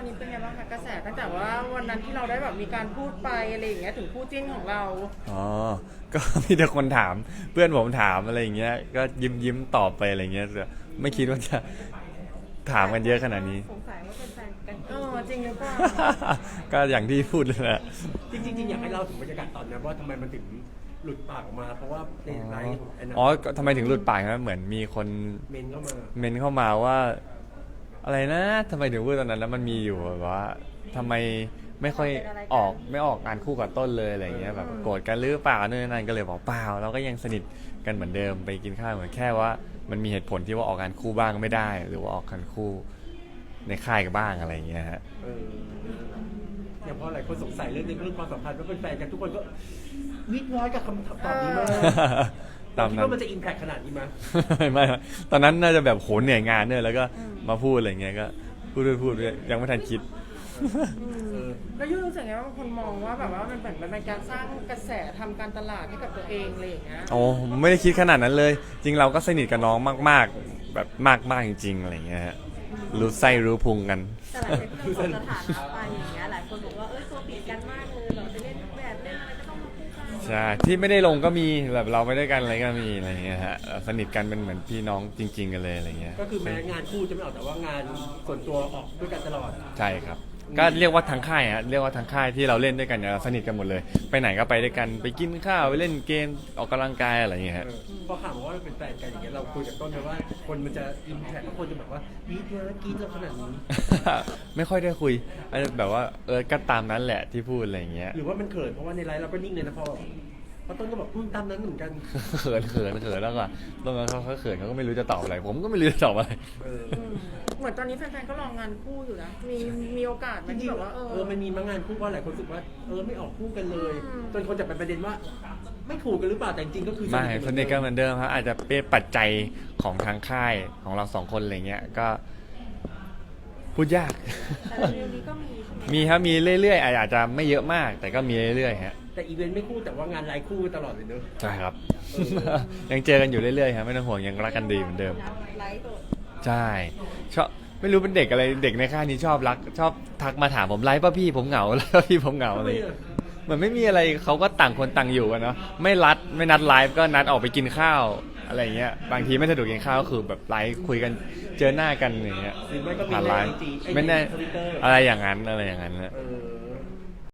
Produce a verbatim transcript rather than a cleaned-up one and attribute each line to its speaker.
Speaker 1: นี้เป็นไงบ้างคะกระแสตั้งแต่ว่าวันนั้นที่เราได้แบบมีการพูดไปอะไรอย่างเงี้ยถึงคู่จิ้นของเรา
Speaker 2: อ๋อก็มีแต่คนถามเพื่อนผมถามอะไรอย่างเงี้ยก็ยิ้มยิ้มตอบไปอะไรเงี้ยแต่ไม่คิดว่าจะถามกันเยอะขนาดนี้
Speaker 3: สงสัยว่าเป็นแฟนกัน
Speaker 1: เออจริงหรือเปล่า
Speaker 2: ก็อย่างที่พูดเลยแหละ
Speaker 4: จริงๆจริงๆอยากให้เล่าถึงบรรยากาศตอนนั้นว่าทำไมมันถึงหลุดปากออกมา เพราะว่าในไลฟ์ของไอ้นั่น
Speaker 2: อ๋อก็ทำไมถึงหลุดปากนะเหมือนมีคน
Speaker 4: เมนเข้ามา
Speaker 2: เมนเข้ามาว่า อะไรนะทำไมถึงพูดตอนนั้นแล้วมันมีอยู่แบบว่าทำไมไม่ค่อยออกไม่ออกงานคู่กับต้นเลยอะไรเงี้ยแบบโกรธกันหรือเปล่านู่นนั่นก็เลยบอกเปล่าเราก็ยังสนิทกันเหมือนเดิมไปกินข้าวเหมือนแค่ว่ามันมีเหตุผลที่ว่าออกงานคู่บ้างไม่ได้ หรือว่าออกงานคู่ในค่ายกันบ้างอะไรเงี้ยฮะ
Speaker 4: เอออย่างพอหลายคนสงสัยเรื่องนี้เรื่องความสัมพันธ์ว่าเป็นแฟนกันทุกคนก็วิดร้อยกับคำตอบนี้มาก
Speaker 2: ตาม
Speaker 4: คิด
Speaker 2: นั้น
Speaker 4: ว่ามันจะอิมแพคขนาดนี้มั้ย
Speaker 2: ไม่ไม่ตอนนั้นน่าจะแบบโหเหนื่อยงานเนี่ยแล้วก็มาพูดอะไรเงี้ยก็พูดไปพูดไปยังไม่ทันคิด
Speaker 4: เออ
Speaker 1: แล้วยูรู้สึกไงว่าบางคนมองว่าแบบว่ามันเหมือนมันเป็นการสร้างกระแสทำการตลาดให้กับตัวเองอะไรอย่างเงี้ย
Speaker 2: โอ้ไม่ได้คิดขนาดนั้นเลย จริงเราก็สนิทกับน้องมากๆ แบบมากๆจริงๆอะไรเงี้ยฮะรู้ไส้รู้พุงกัน
Speaker 3: แต่หลังจากที่เราลดสถานะไปอย่างเงี้ยหลายคนบอกว่าเอ้ยตัวติดกันมากเลยเราไปเล่นแบบเล่นอะไรก็ต้องมาคู่กัน
Speaker 2: ใช่ที่ไม่ได้ลงก็มีแบบเราไปด้วยกันอะไรก็มีอะไรเงี้ยฮะสนิทกันเป็นเหมือนพี่น้องจริง ๆกันเลยอะไรเงี้ย
Speaker 4: ก็คือแม้งานคู่จะไม่ออกแต่ว่างานส่วนตัวออกด้วยกันตลอด
Speaker 2: ใช่ครับก็เรียกว่าทางค่ายฮะเรียกว่าทางค่ายที่เราเล่นด้วยกันเนี่ยเราสนิทกันหมดเลย ไปไหนก็ไปด้วยกันไปกินข้าวไปเล่นเกมออกกำลังกายอะไรอย่างเงี้ยฮะ
Speaker 4: เออพอข่าวมาว่าเราเป็นแฟนกันอย่างเงี้ยเราคุยกับต้นไหมว่าคนมันจะอิมแพคแล้วคนจะแบบว่าวีดนะกรีดเราขนาดนี้
Speaker 2: ไม่ค่อยได้คุยอาจจะแบบว่าเออก็ตามนั้นแหละที่พูดอะไรอย่างเงี้ย
Speaker 4: หรือว่ามันเขินเพราะว่าในไลฟ์เราก็นิ่งเลยนะพอเพราะต้นก็บอกอืมตามนั้นเหมือนกัน
Speaker 2: เขินเขินเขินแล้วก็ตรงนั้นเขาเขาเขินเขาก็ไม่รู้จะตอบอะไร ผมก็ไม่รู้จะตอบอะไร
Speaker 4: เออ
Speaker 1: อืมเหมือนตอนนี้แฟนๆก็รองานคู่อยู่นะมีมีโอกาสไหม
Speaker 4: จริ
Speaker 1: ที่
Speaker 4: ง
Speaker 1: แบบ
Speaker 4: ๆ
Speaker 1: ว่าเอ
Speaker 4: เอ
Speaker 1: อ
Speaker 4: อมันมีมางานคู่เพราะหลายคนรู้สึกว่าเออไม่ออกคู่กันเลย
Speaker 1: อืม
Speaker 4: จนคนจับเป็นประเด็นว่า ไม่ถูกกันหรือเปล่าแต่จริงๆก็คือ
Speaker 2: ไม่สนิทกันเหมือนเดิมครับอาจจะเป็นปัจจัยของทางค่ายของเราสองคนอะไรเงี้ยก็พูดยาก
Speaker 3: แต่เร็วๆนี้ก็มีใช่ไหม
Speaker 2: มีครับมีเรื่อยๆอาจจะไม่เยอะมาก แต่ก็มีเรื่อยๆฮะ
Speaker 4: แต่อีเวนต์ไม่คู่แต่ว่างานไลฟ์คู่ตลอดเลยเนอะ
Speaker 2: ใช่ครับ ยังเจอกันอยู่เรื่อยๆครับไม่ต้องห่วงยังรักกันดีเหมือนเดิม
Speaker 3: ไลฟ์ตัว
Speaker 2: ใช่ชอบไม่รู้เป็นเด็กอะไรเด็กในค่ายนี้ชอบรัก ชอบทักมาถามผมไลฟ์ป่ะพี่ผมเหงา ไลฟ์ป่ะพี่ผมเหงาอะไรอย่างเงี้ยเหมือนไม่มีอะไรเขาก็ต่างคนต่างอยู่กันเนาะไม่รัดไม่นัดไลฟ์ก็นัดออกไปกินข้าวอะไรอย่างเงี้ยบางทีไม่สะดวกกินข้าวก็คือแบบไลฟ์คุยกันเจอหน้ากันอย่างเงี้ย
Speaker 4: หรือไม่ก็มี
Speaker 2: ผ่าน
Speaker 4: ใน
Speaker 2: ไล
Speaker 4: ไอ
Speaker 2: ฟ์
Speaker 4: จี
Speaker 2: ไม่แน่
Speaker 4: ทวิตเตอร์
Speaker 2: อะไรอย่างนั้นอะไรอย่างนั้นนะ
Speaker 4: เออ